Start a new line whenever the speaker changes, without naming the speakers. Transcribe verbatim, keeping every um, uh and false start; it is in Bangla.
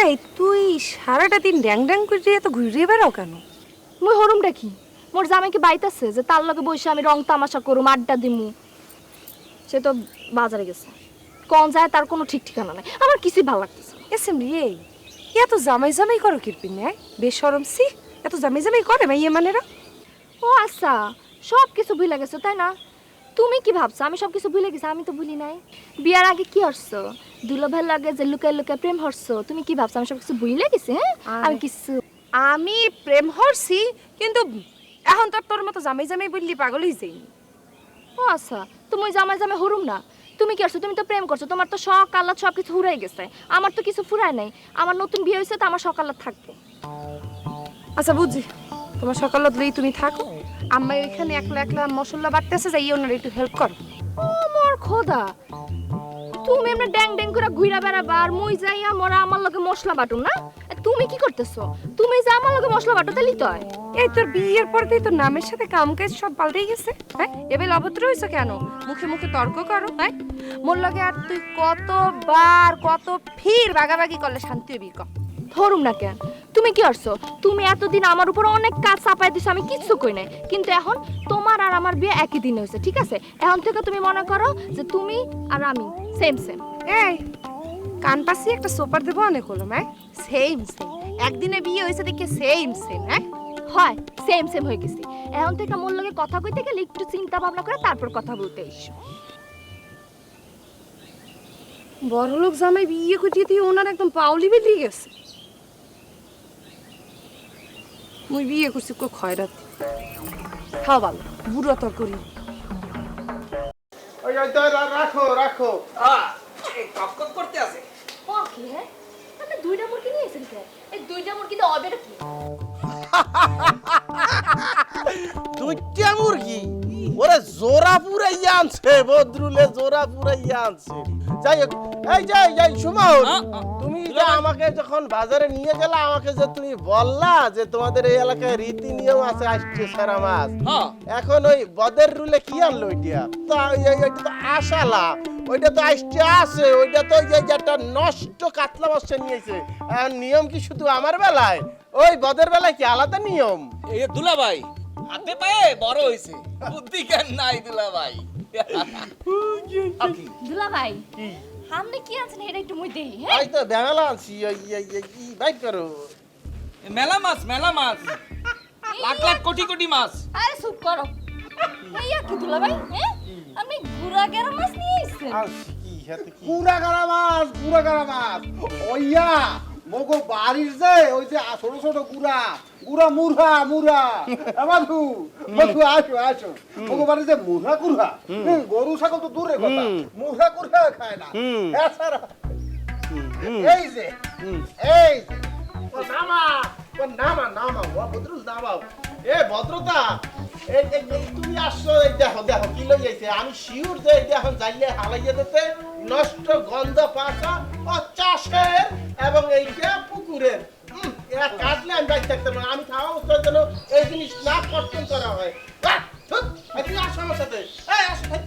এই তুই সারাটা দিন ড্যাং ড্যাং করে এত ঘুরে বেড়াও কেন?
মুই হরুম দেখি মোর জামাই কি বাইতাছে যে তার লগে বসে আমি রং তামাশা করুম, আড্ডা দিমু? সে তো বাজারে গেছে, কোন যায় তার কোনো ঠিক ঠিকানা নাই। আমার কিছুই ভালো লাগতেছে না।
এসেম রে, এত জামাই জামাই করো কিরপিন নেয় বেশরম সি, এত জামাই জামাই করে মাইয়ে মানেরা।
ও আচ্ছা, সব কিছু ভুলে গেছো তাই না? তুমি কি ভাবছো আমি সব কিছু ভুলে গেছি? আমি তো ভুলি নাই। বিয়ার আগে কি হরছো, দুলো ভাইয়ের লাগে যে লুকায় লুকায় প্রেম হরছো, তুমি কি ভাবছো আমি সব কিছু ভুলে গেছি? হ্যাঁ, আমি কিছু
আমি প্রেম হরছি, কিন্তু এখন তো তোর মতো জামাই জামাই বললি পাগল হয়ে যাইনি।
ও আচ্ছা, তুমি জামাই জামাই হরুম না। তুমি কি করছো? তুমি তো প্রেম করছো, তোমার তো শখ আহ্লাদ সব কিছু ফুরাই গেছে। আমার তো কিছু ফুরায় নাই। আমার নতুন বিয়ে হয়েছে তো আমার শখ আহ্লাদ থাকবে।
আচ্ছা বুঝছি, তোমার সকালত লই তুমি থাকো, আম্মা ওইখানে একলা একলা মশলা বাটতেছে, যাই ওনার একটু হেল্প কর।
ও মোর খোদা, তুমি এমনি ড্যাং ড্যাং করে ঘুরা বেড়াবা আর মুই যাইয়া মোরা আমার লগে মশলা বাটুম না? এ, তুমি কি করতেছো? তুমি যে আমার লগে মশলা বাটো তাইলি তো হয়।
এই তোর বিয়ের পর থেকে তোর নামের সাথে কাম কাজ সব পাল্টেই গেছে। হ্যাঁ, এবার অভদ্র হয়েছে কেন? মুখে মুখে তর্ক করো। হ্যাঁ, মোর লগে আর তুই কতবার কত ফির বাগাবাগি করলে শান্তি হবি ক?
ধরুম না কেন? তুমি কি করছো? তুমি এতদিন আমার উপর অনেক কাজ চাপাই দিছো, আমি কিচ্ছু কই নাই। কিন্তু এখন তোমার আর আমার বিয়ে একই দিন হয়েছে, ঠিক আছে? এখন থেকে তুমি মনে করো যে তুমি আর আমি সেম সেম।
এই কান পাশি একটা সোপার দেবো অনেক হলো। হ্যাঁ, সেম সেম, একদিনে বিয়ে হয়েছে দেখে সেম সেম। হ্যাঁ
হয়, সেম সেম হয়ে গেছি। এখন থেকে মোর লগে কথা কইতে গেলে একটু চিন্তা ভাবনা করে তারপর কথা বলতে এসো।
বড়লোক জামাই বিয়ে করিয়ে দিয়ে ওনার একদম পাউলি বেরিয়ে গেছে। মুই বিয়ে করছি কো খয়রাত খাও ভালো বুড়ো তর করি।
ওই ওই তো রা- রাখো রাখো
কপ করতে আছে।
ও কি হ্যাঁ? আপনি দুইটা মুরগি নিয়েছেন কে? এই দুইটা মুরগি তো অবের কি?
দুইটা মুরগি ওরে জোড়া পুরাইয়া আনছে, বদরুলে জোড়া পুরাইয়া আনছে। যাই হোক, এই যাই যাই সুমন, তুমি যে আমাকে যখন বাজারে নিয়ে গেলে আমাকে যে তুমি বললা যে তোমাদের এই এলাকায় রীতি নিয়ম আছে আসছে সারা মাছ, এখন ওই বদের রুলে কি আনলো ওইটা? তো ওই- ওই- ওইটা তো আশালা, ওইটা তো আসছে আছে, ওইটা তো ওই যে একটা নষ্ট কাতলা মাছ নিয়েছে। এখন নিয়ম কি শুধু আমার বেলায়? ওই বদের বেলায় কি আলাদা নিয়ম?
এই দুলাভাই হাতে পায়ে বড় হইছে, বুদ্ধি জ্ঞান নাই দুলাভাই।
দুলা ভাই, আপনি কি আছেন এটা একটু মুই দেই। হ্যাঁ,
এই তো বেঙ্গালা আনছি, ওই এই- এই- এই বাইট করো।
মেলা মাছ মেলা মাছ, লাখ লাখ কোটি কোটি মাছ।
আরে চুপ করো। এইয়া কি দুলা ভাই? হ্যাঁ, আপনি গুড়া গেরা মাছ নিয়ে আইছেন?
আনছি কি হাতে কি?
পুরা গাড়া মাছ, পুরা গাড়া মাছ। ওইয়া মগো বাড়ির যে ওই যে ছোট ছোট গুড়া গুড়া মুরহা মুরহা আমাধু মধু আসো আসো মগো বাড়ির যে মুরহা কুরহা, হুম, গরু ছাগল তো দূরে কথা, মুরহা কুরহা খায় না। এছাড়া এই যে এই যে
ও নামা, ও নামা নামা, ও বদরুল নামাও। এ ভদ্রতা, এই এই- এই তুমি আসছো, এই দেখো দেখো কি লই যাইছে। আমি শিওর যে এটা এখন যাইলে হালাইয়া দিতে নষ্ট গন্ধ পাছা ও চাষের এবং এইটা পুকুরের। উম, এরা কাটলে আমি বাইরে থাকতে পারি না। আমি খাওয়া অবস্থার জন্য এই জিনিস না কর্তন করা হয়। আহ, ধুৎ, এই তুমি আসো আমার সাথে। এই আসো, এই,